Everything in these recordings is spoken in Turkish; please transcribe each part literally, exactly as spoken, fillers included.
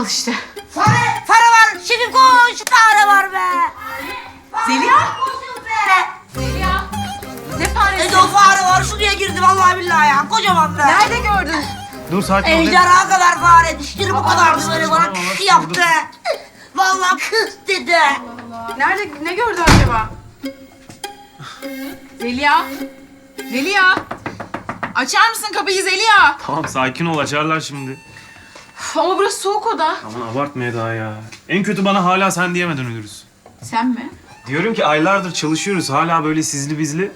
Al işte. Fare, fare var. Şefim koş. Fare var be. Zeliha. Koşun be. Zeliha. Ne faresi? Ede o fare var. Şuraya girdi vallahi billahi ya. Kocaman be. Nerede gördün? Dur sakin ol. Ejderha kadar fare. Dişleri bu kadardı böyle bana Saçmalama, kıs nasıl yaptı. Vallahi kıs dedi. Nerede, ne gördü acaba? Zeliha. Zeliha. Açar mısın kapıyı Zeliha? Tamam sakin ol, açarlar şimdi. Üf, ama burası soğuk oda. Aman abartma Eda ya. En kötü bana hala sen diyemeden ölürüz. Sen mi? Diyorum ki aylardır çalışıyoruz. Hala böyle sizli bizli.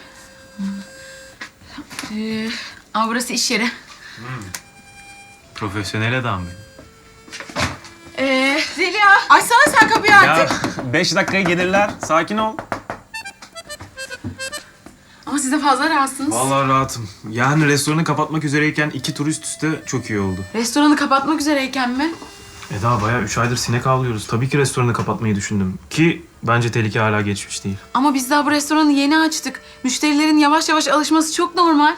Ee, ama burası iş yeri. Profesyonel adam benim. Ee, Zeliha. Açsana sen kapıyı artık. Ya beş dakikaya gelirler. Sakin ol. Ama siz de fazla rahatsınız. Vallahi rahatım. Yani restoranı kapatmak üzereyken iki tur üst üste çok iyi oldu. Restoranı kapatmak üzereyken mi? Eda bayağı üç aydır sinek avlıyoruz. Tabii ki restoranı kapatmayı düşündüm. Ki bence tehlike hala geçmiş değil. Ama biz daha bu restoranı yeni açtık. Müşterilerin yavaş yavaş alışması çok normal.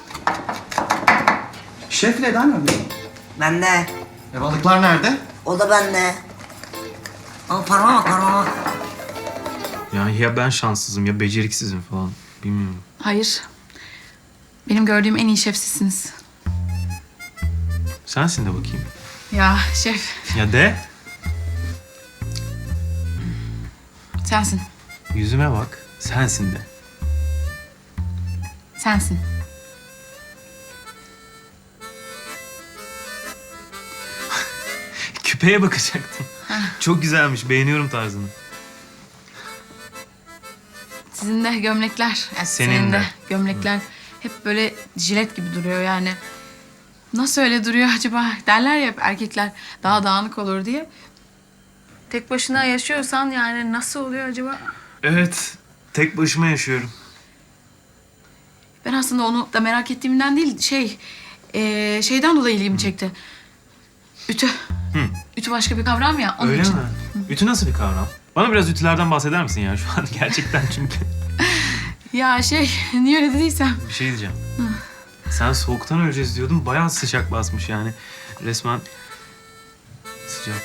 Şef Eda nerede? Bende. E balıklar nerede? O da bende. Ama parmağa bak parmağa. Yani ya ben şanssızım ya beceriksizim falan. Bilmiyorum. Hayır. Benim gördüğüm en iyi şef sizsiniz. Sensin de bakayım. Ya şef, Ya de. sensin. Yüzüme bak. Sensin de. Sensin. Küpeye bakacaktım. Çok güzelmiş. Beğeniyorum tarzını. Sizin de gömlekler. Yani Senin de. gömlekler hep böyle jilet gibi duruyor yani. Nasıl öyle duruyor acaba? Derler ya hep erkekler daha dağınık olur diye. Tek başına yaşıyorsan yani nasıl oluyor acaba? Evet. Tek başıma yaşıyorum. Ben aslında onu da merak ettiğimden değil, şey... eee, şeyden dolayı ilgimi çekti. Ütü. Ütü başka bir kavram ya, onun Öyle için. mi? Ütü nasıl bir kavram? Bana biraz ütülerden bahseder misin ya şu an? Gerçekten çünkü. Ya şey, niye öyle dediysem. Bir şey diyeceğim. Sen soğuktan öleceğiz diyordun. Bayağı sıcak basmış yani. Resmen sıcak.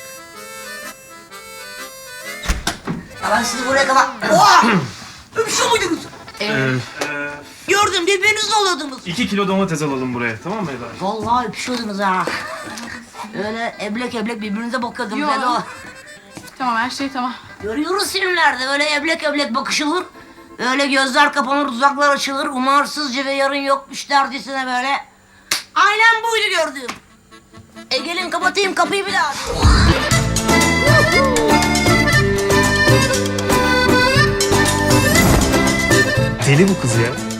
Ya ben sizi buraya kapat... Oha! Öpüşüyor muydunuz? Ee, Gördüm birbirinizle oluyordunuz. iki kilo domates alalım buraya. Tamam mı Eda? Vallahi öpüşüyordunuz ha. Öyle eblek eblek birbirinize bakıyordunuz. Yo. Hadi o. Tamam, her şey tamam. Görüyoruz filmlerde böyle eblek eblek bakışılır. Öyle gözler kapanır, dudaklar açılır. Umarsızca ve yarın yokmuş dercesine böyle. Aynen buydu gördüğüm. E gelin kapatayım kapıyı bir daha. Deli bu kız ya.